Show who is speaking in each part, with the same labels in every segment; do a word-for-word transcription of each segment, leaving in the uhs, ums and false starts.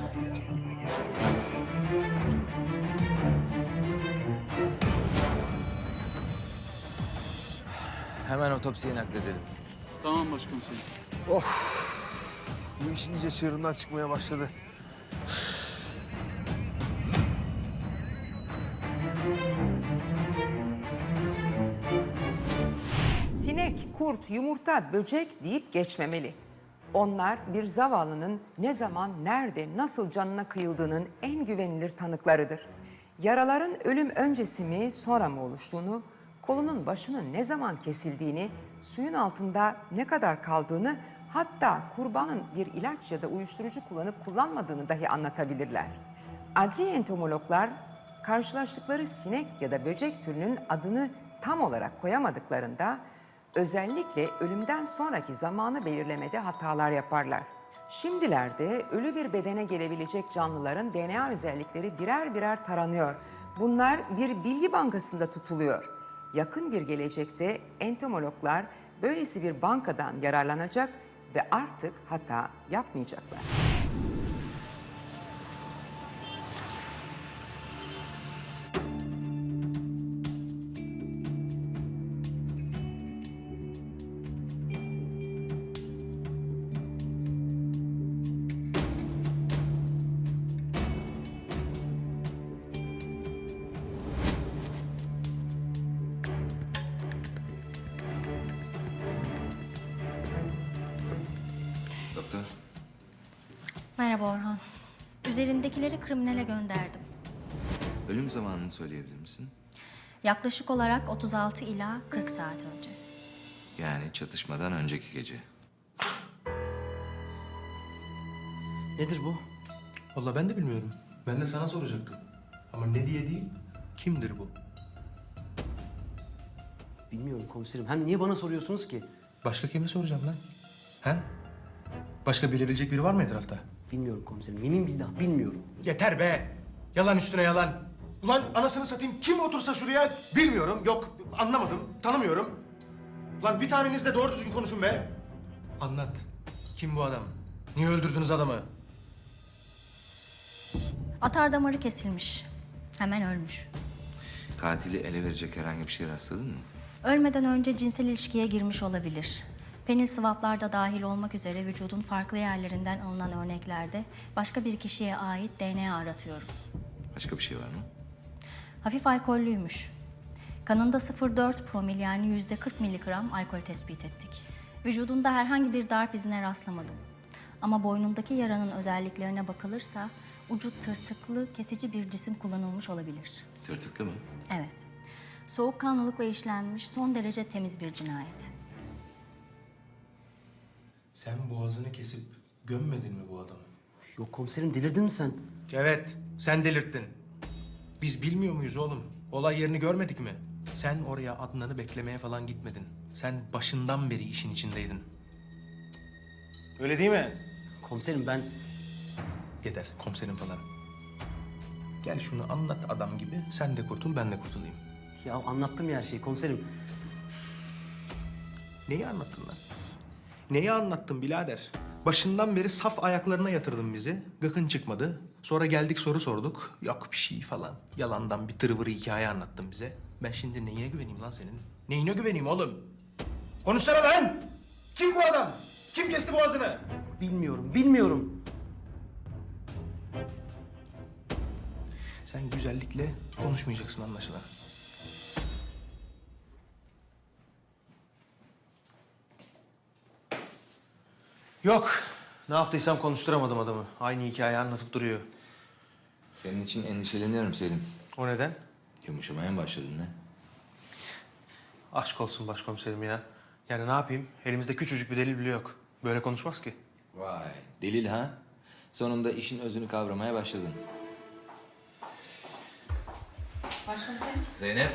Speaker 1: Hemen otopsiye nakledelim.
Speaker 2: Tamam başkomiserim.
Speaker 3: Bu iş iyice çığırından çıkmaya başladı.
Speaker 4: Sinek, kurt, yumurta, böcek deyip geçmemeli. Onlar bir zavallının ne zaman, nerede, nasıl canına kıyıldığının en güvenilir tanıklarıdır. Yaraların ölüm öncesi mi, sonra mı oluştuğunu, kolunun başının ne zaman kesildiğini, suyun altında ne kadar kaldığını, hatta kurbanın bir ilaç ya da uyuşturucu kullanıp kullanmadığını dahi anlatabilirler. Adli entomologlar karşılaştıkları sinek ya da böcek türünün adını tam olarak koyamadıklarında özellikle ölümden sonraki zamanı belirlemede hatalar yaparlar. Şimdilerde ölü bir bedene gelebilecek canlıların D N A özellikleri birer birer taranıyor. Bunlar bir bilgi bankasında tutuluyor. Yakın bir gelecekte entomologlar böylesi bir bankadan yararlanacak ve artık hata yapmayacaklar.
Speaker 1: Doktor.
Speaker 5: Merhaba Orhan. Üzerindekileri kriminale gönderdim.
Speaker 1: Ölüm zamanını söyleyebilir misin?
Speaker 5: Yaklaşık olarak otuz altı ila kırk saat önce.
Speaker 1: Yani çatışmadan önceki gece.
Speaker 6: Nedir bu?
Speaker 3: Vallahi ben de bilmiyorum. Ben de sana soracaktım. Ama ne diye değil, kimdir bu?
Speaker 6: Bilmiyorum komiserim. Hem niye bana soruyorsunuz ki?
Speaker 3: Başka kime soracağım lan? He? Başka bilebilecek biri var mı etrafta?
Speaker 6: Bilmiyorum komiserim. Yemin billah bilmiyorum.
Speaker 3: Yeter be! Yalan üstüne yalan. Ulan anasını satayım kim otursa şuraya bilmiyorum, yok anlamadım, tanımıyorum. Ulan bir taneniz de doğru düzgün konuşun be. Anlat. Kim bu adam? Niye öldürdünüz adamı?
Speaker 5: Atar damarı kesilmiş. Hemen ölmüş.
Speaker 1: Katili ele verecek herhangi bir şey rastladın mı?
Speaker 5: Ölmeden önce cinsel ilişkiye girmiş olabilir. Penil swaplar da dahil olmak üzere vücudun farklı yerlerinden alınan örneklerde başka bir kişiye ait D N A aratıyorum.
Speaker 1: Başka bir şey var mı?
Speaker 5: Hafif alkollüymüş. Kanında sıfır virgül dört promil yani yüzde kırk miligram alkol tespit ettik. Vücudunda herhangi bir darp izine rastlamadım. Ama boynundaki yaranın özelliklerine bakılırsa ucu tırtıklı kesici bir cisim kullanılmış olabilir.
Speaker 1: Tırtıklı mı?
Speaker 5: Evet. Soğukkanlılıkla işlenmiş son derece temiz bir cinayet.
Speaker 3: Sen boğazını kesip gömmedin mi bu adamı?
Speaker 6: Yok komiserim delirdin mi sen?
Speaker 3: Evet, sen delirttin. Biz bilmiyor muyuz oğlum? Olay yerini görmedik mi? Sen oraya Adnan'ı beklemeye falan gitmedin. Sen başından beri işin içindeydin. Öyle değil mi?
Speaker 6: Komiserim ben...
Speaker 3: Yeter, komiserim falan. Gel şunu anlat adam gibi. Sen de kurtul, ben de kurtulayım.
Speaker 6: Ya anlattım ya her şeyi komiserim.
Speaker 3: Neyi anlattın lan? Neyi anlattın birader? Başından beri saf ayaklarına yatırdın bizi. Gıkın çıkmadı. Sonra geldik soru sorduk. Yok bir şey falan. Yalandan bir tırvırı hikaye anlattın bize. Ben şimdi neyine güveneyim lan senin? Neyine güveneyim oğlum? Konuşsana lan! Kim bu adam? Kim kesti boğazını?
Speaker 6: Bilmiyorum, bilmiyorum.
Speaker 3: Sen güzellikle konuşmayacaksın anlaşılan. Yok. Ne yaptıysam konuşturamadım adamı. Aynı hikayeyi anlatıp duruyor.
Speaker 1: Senin için endişeleniyorum Selim.
Speaker 3: O neden?
Speaker 1: Yumuşamaya mı başladın ne?
Speaker 3: Aşk olsun başkomiserim ya. Yani ne yapayım? Elimizde küçücük bir delil bile yok. Böyle konuşmaz ki.
Speaker 1: Vay, delil ha? Sonunda işin özünü kavramaya başladın.
Speaker 7: Başkomiserim.
Speaker 1: Zeynep.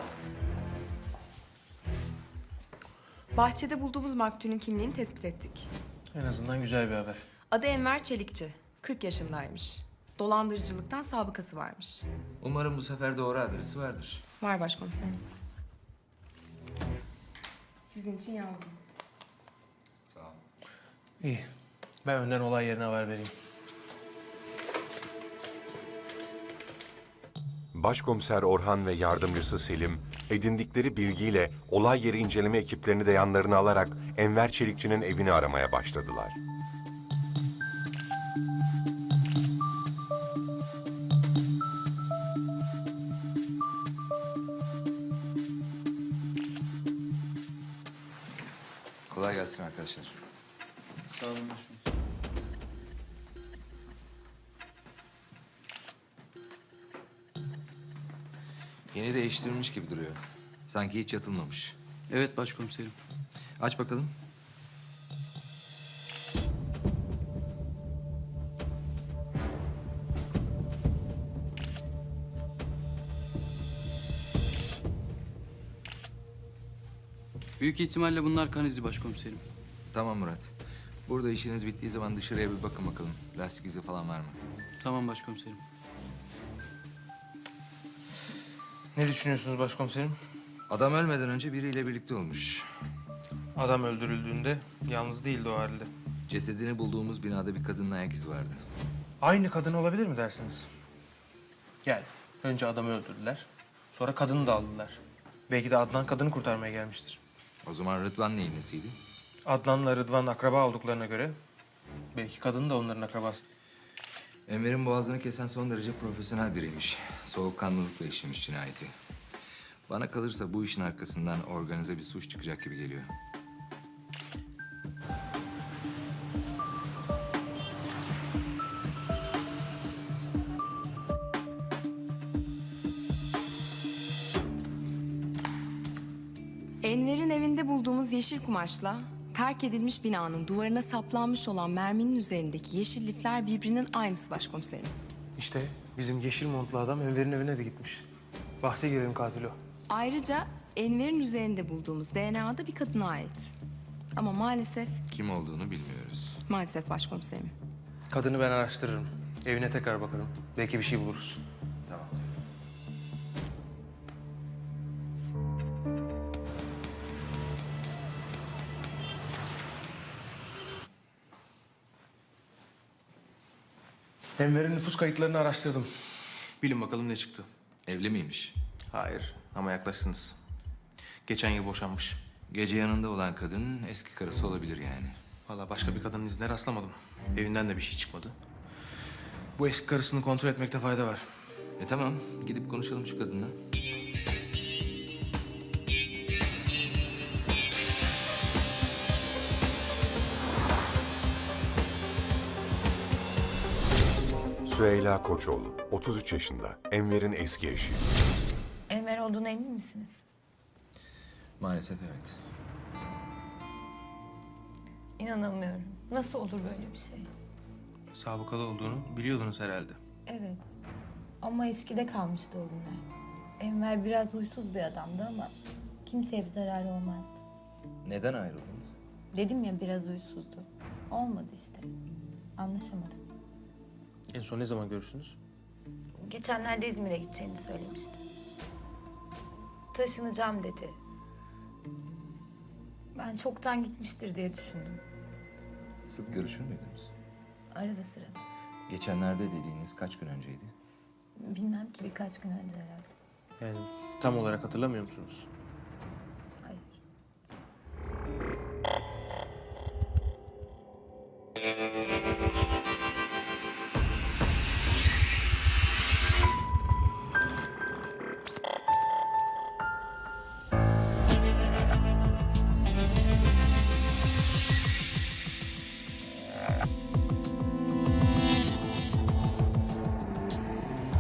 Speaker 7: Bahçede bulduğumuz maktulün kimliğini tespit ettik.
Speaker 3: En azından güzel bir haber.
Speaker 7: Adı Enver Çelikçi. kırk yaşındaymış. Dolandırıcılıktan sabıkası varmış.
Speaker 1: Umarım bu sefer doğru adresi vardır.
Speaker 7: Var başkomiserim. Sizin için yazdım.
Speaker 1: Sağ ol.
Speaker 3: İyi. Ben önden olay yerine haber vereyim.
Speaker 2: Başkomiser Orhan ve yardımcısı Selim, edindikleri bilgiyle olay yeri inceleme ekiplerini de yanlarına alarak Enver Çelikçi'nin evini aramaya başladılar.
Speaker 1: Kolay gelsin arkadaşlar.
Speaker 8: Sağ olun başkomiserim.
Speaker 1: Yeni değiştirilmiş gibi duruyor. Sanki hiç yatılmamış.
Speaker 8: Evet başkomiserim.
Speaker 1: Aç bakalım.
Speaker 8: Büyük ihtimalle bunlar kan izi başkomiserim.
Speaker 1: Tamam Murat. Burada işiniz bittiği zaman dışarıya bir bakın bakalım. Lastik izi falan var mı?
Speaker 8: Tamam başkomiserim.
Speaker 3: Ne düşünüyorsunuz başkomiserim?
Speaker 1: Adam ölmeden önce biriyle birlikte olmuş.
Speaker 3: Adam öldürüldüğünde yalnız değildi o halde.
Speaker 1: Cesedini bulduğumuz binada bir kadının ayak izi vardı.
Speaker 3: Aynı kadın olabilir mi dersiniz? Yani önce adamı öldürdüler. Sonra kadını da aldılar. Belki de Adnan kadını kurtarmaya gelmiştir.
Speaker 1: O zaman Rıdvan neyin nesiydi?
Speaker 3: Adnan'la Rıdvan akraba olduklarına göre belki kadın da onların akrabası.
Speaker 1: Enver'in boğazını kesen son derece profesyonel biriymiş. Soğukkanlılıkla işlemiş cinayeti. Bana kalırsa bu işin arkasından organize bir suç çıkacak gibi geliyor.
Speaker 7: Enver'in evinde bulduğumuz yeşil kumaşla terk edilmiş binanın duvarına saplanmış olan merminin üzerindeki yeşil lifler birbirinin aynısı başkomiserim.
Speaker 3: İşte bizim yeşil montlu adam Enver'in evine de gitmiş. Bahse girelim katil o.
Speaker 7: Ayrıca Enver'in üzerinde bulduğumuz D N A da bir kadına ait. Ama maalesef,
Speaker 1: Kim olduğunu bilmiyoruz.
Speaker 7: maalesef başkomiserim.
Speaker 3: Kadını ben araştırırım. Evine tekrar bakarım. Belki bir şey buluruz.
Speaker 1: Tamam.
Speaker 3: Enver'in nüfus kayıtlarını araştırdım. Bilin bakalım ne çıktı.
Speaker 1: Evli miymiş?
Speaker 3: Hayır ama yaklaştınız. Geçen yıl boşanmış.
Speaker 1: Gece yanında olan kadının eski karısı olabilir yani.
Speaker 3: Vallahi başka bir kadının izine rastlamadım. Evinden de bir şey çıkmadı. Bu eski karısını kontrol etmekte fayda var.
Speaker 1: E tamam, gidip konuşalım şu kadınla.
Speaker 2: Süheyla Koçoğlu, otuz üç yaşında, Enver'in eski eşi.
Speaker 9: Enver olduğuna emin misiniz?
Speaker 1: Maalesef evet.
Speaker 9: İnanamıyorum. Nasıl olur böyle bir şey?
Speaker 3: Sabıkalı olduğunu biliyordunuz herhalde.
Speaker 9: Evet. Ama eskide kalmıştı o günler. Enver biraz huysuz bir adamdı ama kimseye bir zararı olmazdı.
Speaker 1: Neden ayrıldınız?
Speaker 9: Dedim ya biraz huysuzdu. Olmadı işte. Anlaşamadık.
Speaker 3: En son ne zaman görüştünüz?
Speaker 9: Geçenlerde İzmir'e gideceğini söylemişti. Taşınacağım dedi. Ben çoktan gitmiştir diye düşündüm.
Speaker 1: Sık görüşür müydünüz?
Speaker 9: Arada sırada.
Speaker 1: Geçenlerde dediğiniz kaç gün önceydi?
Speaker 9: Bilmem ki birkaç gün önce herhalde.
Speaker 3: Yani tam olarak hatırlamıyor musunuz?